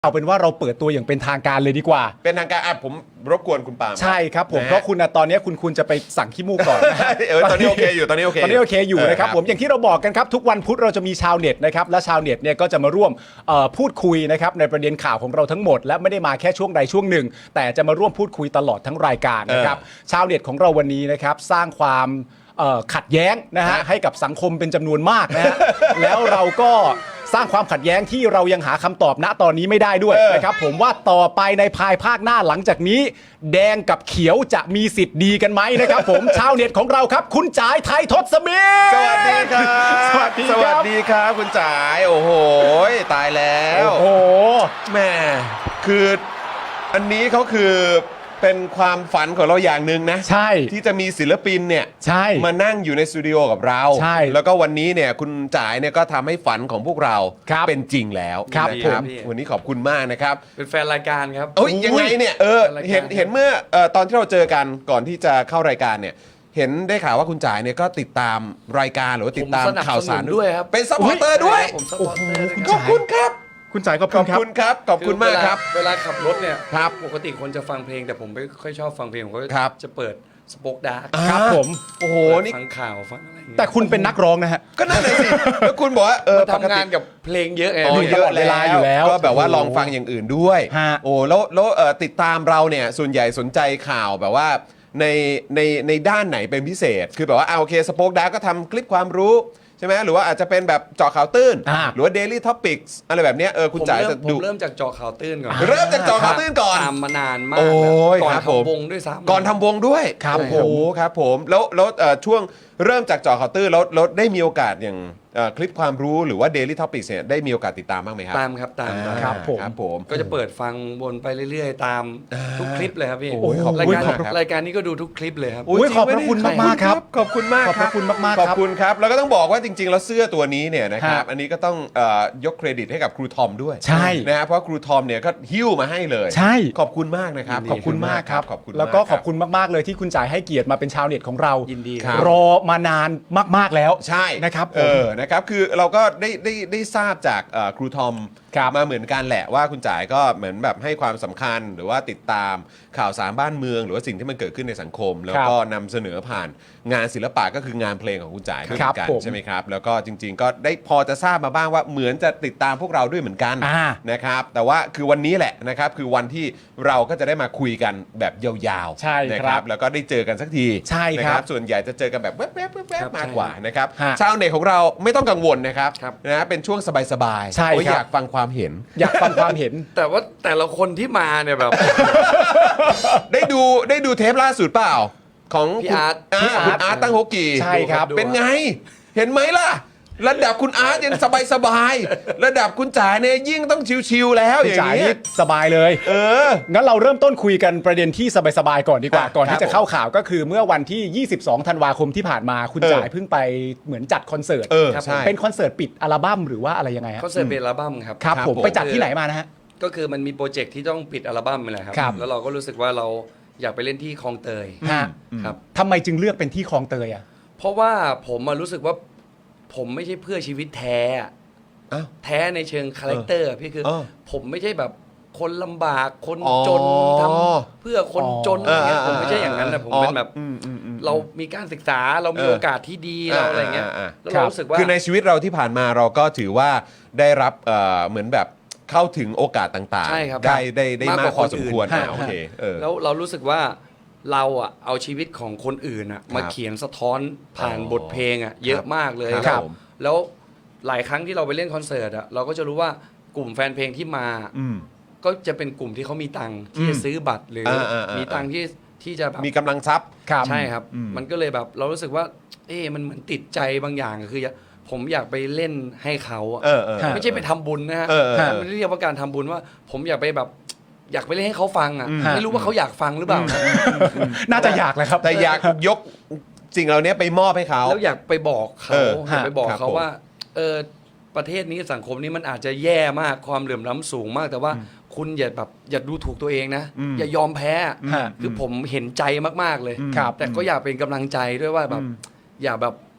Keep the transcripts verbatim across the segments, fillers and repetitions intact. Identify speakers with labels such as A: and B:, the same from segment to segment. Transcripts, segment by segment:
A: เอาเป็นว่าเราเปิดตัวอย่างเป็นทางการเลยดีกว่า
B: เป็นทางการอ่ะผมรบกวนคุณปาล์ม
A: ใช่ครับผมเพราะคุณตอนนี้คุณคุณจะไปสั่งขี้มูกก่อน
B: เออตอนนี้โอเคอยู่ตอนนี้โอเค
A: ตอนนี้โอเคอยู่นะครับผมอย่างที่เราบอกกันครับทุกวันพุธเราจะมีชาวเน็ตนะครับและชาวเน็ตเนี่ยก็จะมาร่วมพูดคุยนะครับในประเด็นข่าวของเราทั้งหมดและไม่ได้มาแค่ช่วงใดช่วงหนึ่งแต่จะมาร่วมพูดคุยตลอดทั้งรายการนะครับชาวเน็ตของเราวันนี้นะครับสร้างความขัดแย้งนะฮะให้กับสังคมเป็นจำนวนมากนะฮะแล้วเราก็สร้างความขัดแย้งที่เรายังหาคำตอบณตอนนี้ไม่ได้ด้วยนะครับผมว่าต่อไปในภายภาคหน้าหลังจากนี้แดงกับเขียวจะมีสิทธิ์ดีกันไหมนะครับผมชาวเน็ตของเราครับคุณจ๋ายไทยทศมิตร
B: สวัสดีครับ
A: สวัสดี
B: สวัสดีครับคุณจ๋ายโอ้โหตายแล้ว
A: โอ้โห
B: แม่คืออันนี้เขาคือเป็นความฝันของเราอย่างหนึ่งนะ
A: ใช่
B: ที่จะมีศิลปินเนี่ย
A: ใช่
B: มานั่งอยู่ในสตูดิโอกับเรา
A: ใช่
B: แล้วก็วันนี้เนี่ยคุณจ๋ายเนี่ยก็ทำให้ฝันของพวกเราเป็นจริงแล้ว
A: ครับ
B: นะ
A: ผม
B: วันนี้ขอบคุณมากนะครับ
C: เป็นแฟนรายการครับ
B: เอ้ยยังไงเนี่ยเออเห็นเห็นเมื่อเอ่อตอนที่เราเจอกันก่อนที่จะเข้ารายการเนี่ยเห็นได้ข่าวว่าคุณจ๋ายเนี่ยก็ติดตามรายการหรือว่าติดตามข่าวสาร
C: ด้วยครับ
B: เป็นซัพพอร์เตอร์ด้วย
C: ผมซัพพอร์เตอร์
B: ขอบคุณครับ
A: คุณจ๋ายขอบ
B: ข
A: คุ
B: อบ
A: ณครับ
B: คุณครับขอบคุณมากครับ
C: เวลาขับรถเนี่ย
B: ครับ
C: ปกติคนจะฟังเพลงแต่ผมไม่ค่อยชอบฟังเพลงผมก็
B: ครับ
C: จะเปิดสป็อคดาร์ก
A: ครับผม
B: โอ้โหนี่
C: ฟังข่าวฟังอะไรอย่างเงี้ย
A: แต่คุณเป็นนักร้องนะฮะ
B: ก็นั่นเลยสิแล้วคุณบอกว่าเออ
C: ทำงานกับเพลงเยอะไง
B: อ๋อเยอะ
A: เวลาอยู่แล้ว
B: ก็แบบว่าลองฟังอย่างอื่นด้วย
A: ฮะ
B: โอ้แล้วแล้วเอ่อติดตามเราเนี่ยส่วนใหญ่สนใจข่าวแบบว่าในในในด้านไหนเป็นพิเศษ คือแบบว่าอ่าโอเคสป็อคดาร์กก็ทำคลิปความรู้ใช่ไหมหรือว่าอาจจะเป็นแบบเจาะข่าวตื้นหรือว่า Daily Topics อะไรแบบเนี้ยเออคุณจ๋าจะดู
C: ผมเริ่มจากเจาะข่าวตื้นก่อน
B: เริ่มจากเจาะข่าวตื้นก่อน
C: ตามมานานมาก
B: โอ้ย
C: ก่อน
B: ครับผม
C: ทำวงด้วยซ้ำ
B: ก่อนทำวงด้วย
A: ครับ
B: โอ้โห
A: ผม
B: ครับผมแล้วแล้วเอ่อช่วงเริ่มจากเจาะข่าวตื้นแล้วแล้วได้มีโอกาสอย่างเอ่อคลิปความรู้หรือว่า Daily Topics เนี่ยได้มีโอกาสติดตามบ้างไหมครับ
C: ตามครับตาม
B: อ่า
A: ครับผม
B: ครับผม
C: ก็จะเปิดฟังวนไปเรื่อยๆ ตามทุกคลิปเลยครับพี่
B: โอ้ยขอบคุณ
C: รายการ
B: มากครับ
C: รายการนี้ก็ดูทุกคลิปเลยครับ
A: อุ๊ยขอบพระคุณมากๆครับ
B: ขอบคุณมาก
A: ขอบพระคุณมากๆ
B: ข
A: ค
B: อ
A: รั
B: บบ คุณครับแล้วก็ต้องบอกว่าจริง ๆ แล้วเสื้อตัวนี้เนี่ยนะครับ
A: ฮะ
B: อันนี้ก็ต้องเอ่อยกเครดิตให้กับครูทอมด้วย
A: ใช่
B: นะฮะเพราะครูทอมเนี่ยก็หิ้วมาให้เลย
A: ใช่
B: ขอบคุณมากนะครับ
A: ขอบคุณมากครับ
B: ขอบคุณ
A: แล้วก็
B: มา
A: ขอบคุณมากๆเลยที่คุณจ๋ายให้เกียรติมาเป็นชาวเน็ตของเรา
C: ยินดี
B: ครับ
A: รอมานานมากๆแล้ว
B: ใช่
A: นะครับผม
B: เออนะครับคือเราก็ได้ได้ได้ทราบจากเอ่อครูทอม
A: ครับ
B: มาเหมือนกันแหละว่าคุณจ๋ายก็เหมือนแบบให้ความสำคัญหรือว่าติดตามข่าวสารบ้านเมือง หรือว่าสิ่งที่มันเกิดขึ้นในสังคม แล้วก็นำเสนอผ่านงานศิลปะก็คืองานเพลงของคุณจ๋ายด้วยเหมือนกัน
A: ครับผม
B: ใช่ไหมครับแล้วก็จริง ๆ ก็ได้พอจะทราบมาบ้างว่าเหมือนจะติดตามพวกเราด้วยเหมือนกัน
A: อ่า
B: นะครับแต่ว่าคือวันนี้แหละนะครับคือวันที่เราก็จะได้มาคุยกันแบบยาวๆ
A: ใช่
B: นะครับ แล้วก็ได้เจอกันสักที
A: ใช่ครับ
B: นะส่วนใหญ่จะเจอกันแบบแวบๆแวบๆมากกว่า
C: ใช่
B: นะครับ
A: ฮะ
B: ชาวเน็ตของเราไม่ต้องกังวลนะครับ
C: ครับ
B: นะเป็นช่วงสบายๆ
A: ใช่
B: โอ้ย
A: ครับ
B: อยากฟังความเห็น
A: อยากฟังความเห็น
C: แต่ว่าแต่ละคนที่มาเนี่ยแบบ
B: ได้ดูได้ดูเทปล่าสุดเปล่า ของ
C: พี่
B: คุณ
C: อาร์ต
B: า
A: พี่อาร์ต
B: คุณอาร์ตตั้งโฮกี
A: ใช่ครับ
B: เป็นไง เห็นไหมล่ะ ระดับคุณอาร์ตยังสบายๆระดับคุณจ๋าเนี่ยยิ่งต้องชิวๆแล้วอ
A: พี่
B: ย่าง
A: จ๋าย
B: นี้
A: นี่สบายเลย
B: เออ
A: งั้นเราเริ่มต้นคุยกันประเด็นที่สบายๆก่อนดีกว่า
B: ครับ
A: ก่อนที่
B: ครั
A: จะ
B: บ
A: เข้าข่าวก็คือเมื่อวันที่ ยี่สิบสอง ธันวาคมที่ผ่านมาคุณ
B: เออ
A: จ๋ายเพิ่งไปเหมือนจัดคอนเสิร์ต
B: เออ
C: ครับ
B: ใช่
A: เป็นคอนเสิร์ตปิดอัลบั้มหรือว่าอะไรยังไงฮะ
C: คอนเสิร์ตเป็นอัลบั้มครับ
A: ครับ
B: ครับ
A: ผม
B: ผม
A: ไปจัดที่ไหนมานะฮะ
C: ก็คือมันมีโปรเจกต์ที่ต้องปิดอัลบั้มนี่แหละครับ
A: ครับ
C: แล้วเราก็รู้สึกว่าเราอยากไปเล่นที่คลองเตย
A: ฮะ
C: ครับ
A: ทำไมจึงเลือกเป็นที่คลองเตยอ่ะ
C: เพราะว่าผมมารู้สึกว่าผมไม่ใช่เพื่อชีวิตแท้อะ
B: อ้าว
C: แท้ในเชิงคาแรคเตอร์อะพี่คือ
B: เออ
C: ผมไม่ใช่แบบคนลำบากคน
B: อ๋อ
C: จนทำเพื่อคนจนอะไรเงี้ย
B: เออ
C: ผมไม่ใช่อย่างนั้นนะผม
B: อ๋อ
C: เป็นแบบ
B: อืมอืมอืม
C: เรามีการศึกษาเรามี
B: เออ
C: โอกาสที่ดีเราอะไรเงี้ย
B: อ่าอ่าอ่า
C: แล้ว
A: ครั
C: เรา
A: บ
C: รู้สึกว่า
B: คือในชีวิตเราที่ผ่านมาเราก็ถือว่าได้รับเอ่อเหมือนแบบเข้าถึงโอกาสต่าง
C: ใช่ครับ
B: ๆ ได้ได้ได้
C: มาก
B: มาก
C: กว่า
B: พอสมควร
C: คนอื่น
B: อ่าโอเคเออ
C: แล้วเรารู้สึกว่าเราอะเอาชีวิตของคนอื่นอะมาเขียนสะท้อนผ่าน
B: อ๋อ
C: บทเพลงอะเยอะมากเลย
B: ครับ
C: แล้วหลายครั้งที่เราไปเล่นคอนเสิร์ตอะเราก็จะรู้ว่ากลุ่มแฟนเพลงที่มา
B: อืม
C: ก็จะเป็นกลุ่มที่เขามีตังค์ที่จะซื้อบัตรหรืออา
B: อ่าอ่ามี
C: มีตังค์ที่ที่จะแบบ
B: มีกำลังทรัพย์
A: ครับ
C: ใช่ครับ
B: อืม
C: มันก็เลยแบบเรารู้สึกว่า เอ๊ะมันเหมือนติดใจบางอย่างคือผมอยากไปเล่นให้เขาอะ
B: เออเออ
C: ไม่ใช่ไปทำบุญนะฮะ
B: เออเออ
C: มันไม่ได้เรียกว่าการทำบุญว่า ผมอยากไปแบบ อยากไปเล่นให้เขาฟังอ่ะ
B: อืม
C: ไม่รู้ว่าเขาอยากฟังหรือเปล่านะ
A: น่าจะอยากแหละครับ
B: แต่อยากยกสิ่งเหล่านี้ไปมอบให้เขา
C: แล้วอยากไปบอกเขา
B: เออ
C: อยากไปบอก
B: ครับ
C: เขา
B: ผม
C: ว่าเออประเทศนี้สังคมนี้มันอาจจะแย่มากความเหลื่อมล้ำสูงมาก แต่ว่าคุณอย่าแบบอย่าดูถูกตัวเองนะ
B: อืม
C: อย่ายอมแพ้
A: ฮะ
C: คือผมเห็นใจมากๆเลย
A: ครับ
C: แต่ก็อยากเป็นกำลังใจด้วยว่าแบบอย่าแบบ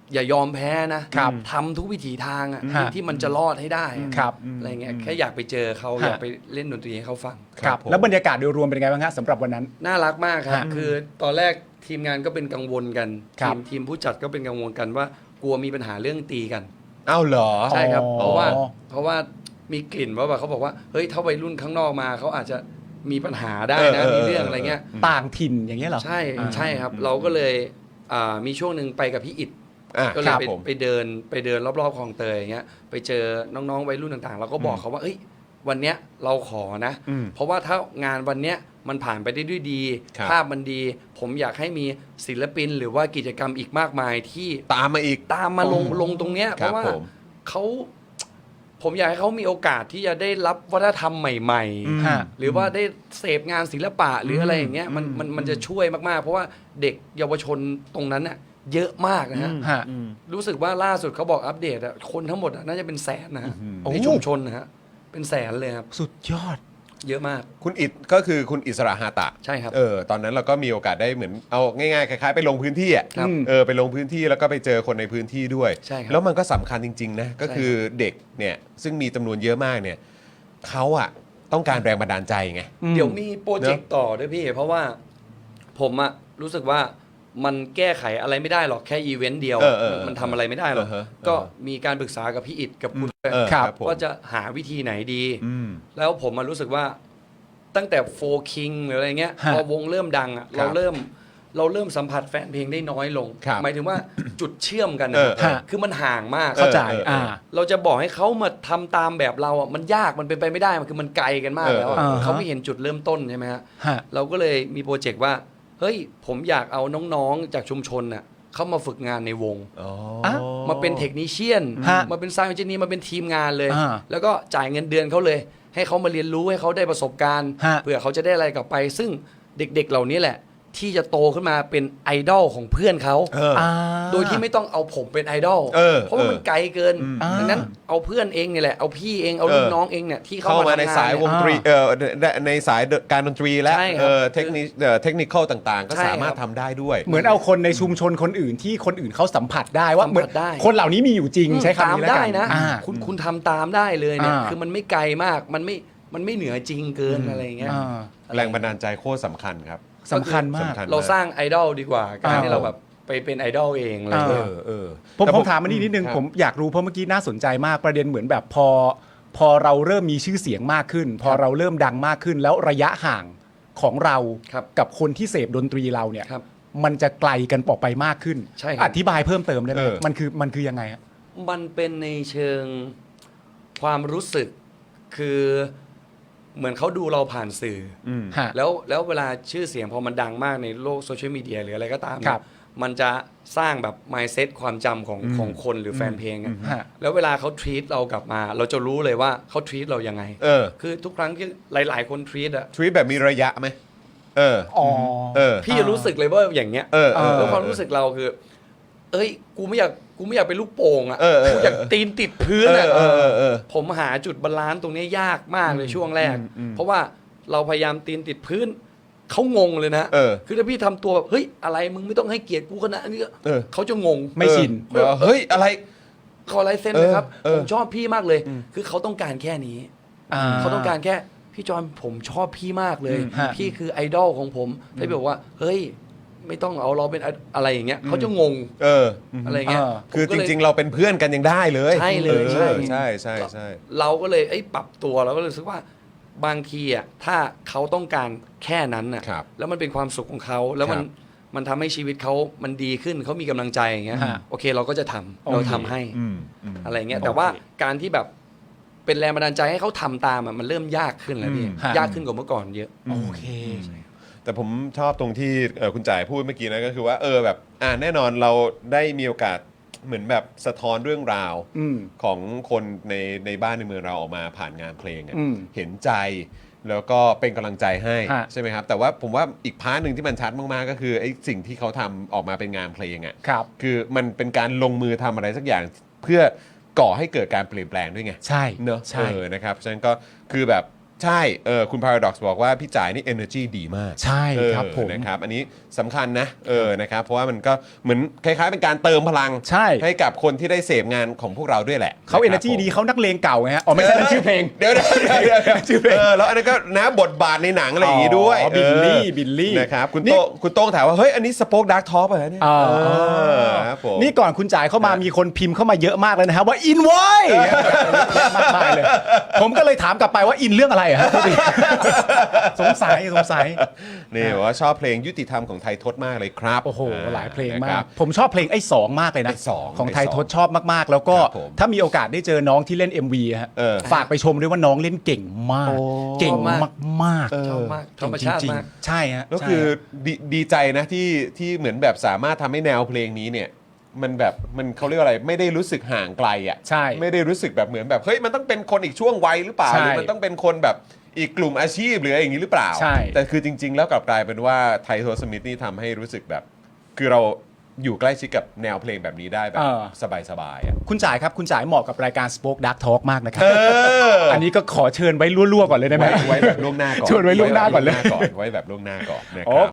C: อย่ายอมแพ้นะครับ ทำทุกวิถีทางอะ
A: ฮะ
C: ที่มันจะรอดให้ได้อะ
A: ครับ
C: อะไรเงี้ยแค่อยากไปเจอเขา
A: ฮะ
C: อยากไปเล่นดนตรีให้เขาฟัง
A: ครับ
B: ผม
A: แล้วบรรยากาศโดยรวมเป็นไงบ้างฮะสำหรับวันนั้น
C: น่ารักมากครับ
A: ฮะ
C: คือตอนแรกทีมงานก็เป็นกังวลกัน
A: ครั
C: ที
A: บ
C: มทีมผู้จัดก็เป็นกังวลกันว่ากลัวมีปัญหาเรื่องตีกัน
B: เอ้าเหรอ
C: ใช่ครับ
A: อ๋อ
C: เพราะว่าเพราะว่ามีกลิ่นว่าแบบเขาบอกว่าเฮ้ยถ้าวัยรุ่นข้างนอกมาเขาอาจจะมีปัญหาได้นะ
B: เออเออ
C: มีเรื่องอะไรเงี้ย
A: ต่างถิ่นอย่างเงี้ยเหรอ
C: ใช่
A: อ่า
C: ใช่ครับ เราก็เลยอ่ามีช่วงหนึ่งไปกับพี่อิด
B: อ่ะ
C: ก็เล
B: ค
C: ย
B: รับ
C: ไป
B: ผม
C: ไปเดินไปเดินรอบๆคลองเตยอย่างเงี้ยไปเจอน้องๆวัยรุ่นต่างๆ เราก็บอกเขาว่าเอ้ยวันเนี้ยเราขอนะ
B: อืม
C: เพราะว่าถ้างานวันเนี้ยมันผ่านไปได้ด้วยดี
B: ครับ
C: ภาพมันดี ผมอยากให้มีศิลปิน หรือว่ากิจกรรมอีกมากมายที่
B: ตามมาอีก
C: ตามมาลงลงตรงเนี้ย
B: ค
C: เพ
B: รับ
C: ราะว่า
B: ผม
C: เขาผมอยากให้เขามีโอกาสที่จะได้รับวัฒนธรรมใหม่
B: อืม
A: ฮะ
C: ๆ หรือว่าได้เสพงานศิลปะหรืออะไรอย่างเงี้ยมันมันมันจะช่วยมากๆ เพราะว่าเด็กเยาวชนตรงนั้นน่ะเยอะมากนะฮะ
A: ฮะ
C: รู้สึกว่าล่าสุดเขาบอกอัปเดตอะคนทั้งหมดอะน่าจะเป็นแสนนะฮะ
A: โอ้
C: ในชุมชนนะฮะเป็นแสนเลยครับ
A: สุดยอด
C: เยอะมาก
B: คุณอิดก็คือคุณอิสระฮาตะ
C: ใช่ครับ
B: เออตอนนั้นเราก็มีโอกาสได้เหมือนเอาง่ายๆคล้ายๆไปลงพื้นที่อ่ะ
C: ครับ
B: เออไปลงพื้นที่แล้วก็ไปเจอคนในพื้นที่ด้วย
C: ใช่ครับ
B: แล้วมันก็สำคัญจริงๆนะก็
C: ใช่
B: คือเด็กเนี่ยซึ่งมีจำนวนเยอะมากเนี่ยเขาอ่ะต้องการแรงบันดาลใจไง
C: เดี๋ยวมีโปรเจกต์ต่อด้วยพี่ เพราะว่าผมอะรู้สึกว่ามันแก้ไขอะไรไม่ได้หรอกแค่อีเวนต์เดียว
B: เออเออ
C: มันทำอะไรไม่ได้หรอก
B: เออฮะ
C: ก็มีการปรึกษากับพี่อิดกับคุณ
B: เออ
A: ครับ
B: ผม
C: ว่าจะหาวิธีไหนดี
B: อืม
C: แล้วผมมารู้สึกว่าตั้งแต่โฟคิงหรืออะไรเงี้ย
A: ฮะ
C: พอวงเริ่มดังอ่ะ
B: ครั
C: เรา
B: บ
C: เริ่มเราเริ่มสัมผัสแฟนเพลงได้น้อยลง
B: ครับ
C: หมายถึงว่า จุดเชื่อมกัน
B: เอ
C: นะ
B: อ
C: ครับ
A: ฮะ
C: คือมันห่างมาก
A: เข้าใจ
B: เออเออ
A: อ่า
C: เราจะบอกให้เขามาทำตามแบบเราอ่ะมันยากมันเป็นไปไม่ได้มันคือมันไกลกันมาก
B: เออ
C: แล้วอะ
A: เออฮะ
C: เขาไม่เห็นจุดเริ่มต้นใช่ไหมฮะ
A: ฮะ
C: เราก็เลยมีโปรเจกต์ว่าเฮ้ยผมอยากเอาน้องๆจากชุมชนน่ะเข้ามาฝึกงานในวง
B: อ๋อ
A: อ่ะ
C: มาเป็นเทคนิเชียน
A: ฮะ
C: มาเป็นซาวด์เอนจิเนียร์มาเป็นทีมงานเลย
A: อ่า
C: แล้วก็จ่ายเงินเดือนเขาเลย ให้เขามาเรียนรู้ให้เขาได้ประสบการณ์
A: ฮะ
C: เพื่อเขาจะได้อะไรกลับไป ซึ่งเด็กๆเหล่านี้แหละ ที่จะโตขึ้นมาเป็นไอดอลของเพื่อนเขา
B: เออ
A: อ่า
C: โดยที่ไม่ต้องเอาผมเป็นไอดอล
B: เออ
C: เพราะว่ามันไกลเกิน
A: อ่า
C: ดังนั้นเอาเพื่อนเองเนี่ยแหละเอาพี่เองเอารุ่นน้องเองเนี่ยที่เข้า
B: เข้า
C: มา
B: มา
C: ทำ
B: ใน
C: งาน
B: สายวง
C: เนี่ย
B: ดนตรีเออในสายการดนตรีและ
C: ใช่ครับ
B: เออเทคนิคเอ่อเทคนิคต่างๆ ก็
C: ใช่
B: สามารถ
C: ครับ
B: ทำได้ด้วย
A: เหมือนเอาคนในชุมชนคนอื่นที่คนอื่นเขาสัมผัสได้ว่า
C: สัมผัส
A: เหมือน
C: ได้
A: คนเหล่านี้มีอยู่จริงใช้คำ
C: ตาม
A: นี้แล้วกั
C: ได้
A: น
C: นะ
A: อ่า
C: คุณคุณทำตามได้เลยเนี่ย
A: อ่า
C: คือมันไม่ไกลมากมันไม่มันไม่เหนือจริงเกินอะไรอย่างเงี้ย
A: อ่า
B: แรงบันดาลใจโคตรสำคัญครับ
A: สำคัญมาก
B: สำคัญ
C: เราสร้างไอดอลดีกว่าการ
A: อ่า
C: ที่เราแบบไปเป็นไอดอลเองอะไร
A: อ่า
B: เอ
C: เงี้ย
B: อเออ
A: ผม
B: แต่
A: ผมถามมานี่นิดนึง
B: ครับ
A: ผมอยากรู้เพราะเมื่อกี้น่าสนใจมากประเด็นเหมือนแบบพอ พอเราเริ่มมีชื่อเสียงมากขึ้น พอเราเริ่มดังมากขึ้น แล้วระยะห่างของเรา
C: ครับ
A: กับคนที่เสพดนตรีเราเนี่ย
C: ครับ
A: มันจะไกลกันออกไปมากขึ้น
C: ใช่ครับ
A: อธิบายเพิ่มเติมได้ไหม
B: เออ
A: มันคือมันคือยังไงฮะ
C: มันเป็นในเชิงความรู้สึกคือเหมือนเขาดูเราผ่านสื่อ
B: อืม
A: ฮะ
C: แล้วแล้วเวลาชื่อเสียงพอมันดังมากในโลกโซเชียลมีเดียหรืออะไรก็ตาม
A: ครับ
C: มันจะสร้างแบบ mindset ความจำของ
B: อืม
C: ของคนหรือแฟนเพลงอะ
A: ฮะ
C: แล้วเวลาเขา treat เรากลับมา เราจะรู้เลยว่าเขา treat เรายังไง
B: เออ
C: คือทุกครั้งที่หลาย ๆ คน treat อะ
B: ทวีตแบบมีระยะไหมเออ
A: อ๋อ
B: เออ
C: พี่จะรู้สึกเลยว่าอย่างเงี้ย
B: เออเออ
C: แล้วความรู้สึกเราคือ เอ้ย กูไม่อยากกูไม่อยากเป็นลูกโป่งอะ
B: เออเออ
C: กูอยากตีนติดพื้น
B: เอ
C: อะ
B: อเออเออเออ
C: ผมหาจุดบาลานซ์ตรงนี้ยากมากเลยช่วงแรก
B: อืมอืม
C: เพราะว่าเราพยายามตีนติดพื้น เขางงเลยนะ
B: เออ
C: คือถ้าพี่ทำตัวแบบเฮ้ยอะไรมึงไม่ต้องให้เกียรติกูขนาดนี้ก็
B: เออ
C: เขาจะงง
A: ไม่ชิน
B: เออแบบว่าเฮ้ยอะไร
C: ขอลายเซ็นนะครับ
B: เออ
C: ผมชอบพี่มากเลย คือเขาต้องการแค่นี้
A: อ่า
C: เขาต้องการแค่พี่จอนผมชอบพี่มากเลย
A: อืมฮะ
C: พี่คือไอดอลของผมถ้าพี่บอกว่า เฮ้ย ไม่ต้องเอาเราเป็นไออะไรอย่างเงี้ยเขาจะงง
B: เออ
C: อะไรเงี้ย
A: เออ
B: คือจริง ๆ เราเป็นเพื่อนกันยังได้เลย
C: ใช่เลยใช่
B: ออใช่ใช่ใช่
C: เราก็เลยไอ้ยปรับตัวเราก็เลยรู้สึกว่าบางทีอ่ะถ้าเขาต้องการแค่นั้นอ่ะ
B: ครับ
C: แล้วมันเป็นความสุขของเขาแล้วมัน
B: ครับ
C: มันทำให้ชีวิตเขามันดีขึ้นเขามีกำลังใจอย่างเงี้ย
A: ฮะ
C: โอเคเราก็จะทำ
A: โอเค
C: เราทำให้
B: อืมอืม
C: อะไรเงี้ย
A: โอเค
C: แต่ว่าการที่แบบเป็นแรงบันดาลใจให้เขาทำตามอ่ะมันเริ่มยากขึ้นแล้วพี่
B: อืม
A: ฮะ
C: ยากขึ้นกว่าเมื่อก่อนเยอะ
A: โอเค
B: แต่ผมชอบตรงที่เอ่อคุณจ่ายพูดเมื่อกี้นะก็คือว่าเออแบบอ่าแน่นอนเราได้มีโอกาสเหมือนแบบสะท้อนเรื่องราว
A: อืม
B: ของคนในในบ้านในเมืองเราออกมาผ่านงานเพลงอะ
A: อืม
B: เห็นใจแล้วก็เป็นกำลังใจให้
A: ฮะ
B: ใช่ไหมครับ แต่ว่าผมว่าอีกพาร์ทหนึ่งที่มันชัดมากๆก็คือไอ้สิ่งที่เขาทำออกมาเป็นงานเพลงอ่ะ
A: ครับ
B: คือมันเป็นการลงมือทำอะไรสักอย่างเพื่อก่อให้เกิดการเปลี่ยนแปลงด้วยไง
A: ใช่
B: เนอะ
A: ใช่
B: เออนะครับฉะนั้นก็คือแบบใช่เออคุณ Paradox บอกว่าพี่จ่ายนี่ energy ดีมาก
A: ใช่ครับ
B: เออ
A: ผม
B: นะครับอันนี้สำคัญนะเออนะครับเพราะว่ามันก็เหมือนคล้ายๆเป็นการเติมพลัง
A: ใช่
B: ให้กับคนที่ได้เสพงานของพวกเราด้วยแหละ
A: เขา
B: ะครับ
A: energy
B: ผม
A: ดีเขานักเลงเก่าไงฮะอ๋อไม่ใช่นั่นชื่อเพลง
B: เดี๋ยวเดี๋ยวเดี๋ยวเดี๋ยวเดี๋ยว
A: ชื่อเพลง
B: เออแล้วอันนั้นก็นะบทบาทในหนังอะไรอย่างงี้ด้วย
A: อ๋อบิลลี่
B: เออ
A: บิลลี่
B: นะครับคุณ
A: นี่
B: โต้งคุณโต้งถามว่าเฮ้ยอันนี้สป็อคดักท็อปอะไรเนี่ย
A: อ่า
B: เออครับผม
A: นี่ก่อนคุณจ่ายเข้ามา
B: ครับ
A: มีคนพิมพ์เข้ามาเยอะมากเลยนะครับว่าอินไว้ยมากมายเลย ผมก็เลยถามกลับไปว่าอินเรื่องอะไรอะฮะ สงสัยสงสัย
B: นี่บอกว่าชอบเพลงยุติธรรมของไทยทศมากเลยครับ
A: โอ้โหหลายเพลง
B: นะ
A: มา
B: ครั
A: ก
B: บ
A: ผมชอบเพลงไอ้สองมากเลยนะ
B: ไอ้สอง
A: ของไทย
B: ไอ้สอง
A: ทศชอบมากๆ แล้วก็
B: ครับผม
A: ถ้ามีโอกาสได้เจอน้องที่เล่น เอ็ม วี ฮะ
B: เออ
A: ฝากไปชมด้วยว่าน้องเล่นเก่งมาก
B: โอ้
A: เก่งมากๆ
C: ชอบมากธรรมชาติ
A: จงๆ
C: มาก
A: ใช่ฮะ
B: แล้ว
A: ใช่
B: คือ
A: ฮะ
B: ดีดีใจนะที่ที่เหมือนแบบสามารถทำให้แนวเพลงนี้เนี่ย มันแบบมันเขาเรียกว่าอะไรไม่ได้รู้สึกห่างไกลอ่ะ
A: ใช่
B: ไม่ได้รู้สึกแบบเหมือนแบบเฮ้ยมันต้องเป็นคนอีกช่วงวัยหรือเปล่า
A: ใช่
B: หรือมันต้องเป็นคนแบบอีกกลุ่มอาชีพหรืออะไรอย่างนี้หรือเปล่า
A: ใช่
B: แต่คือจริง ๆ แล้วกลับกลายเป็นว่าไทโทสมิธนี่ทำให้รู้สึกแบบ คือเราอยู่ใกล้ชิดกับแนวเพลงแบบนี้ได้แบบ
A: เออ
B: สบายๆอ่ะ
A: คุณจ่ายครับคุณจ่ายเหมาะกับรายการ Spoke Dark Talk มากนะครับ
B: เออ
A: อันนี้ก็ขอเชิญไว้รั่วๆก่อนเลยได้ไหม
B: ไว้ไว้แบบล่วงหน้าก่อน
A: ชวนไว้ล่วงหน้าก่อนเลย
B: ไว้แบบล่วงหน้าก่อนนะครับ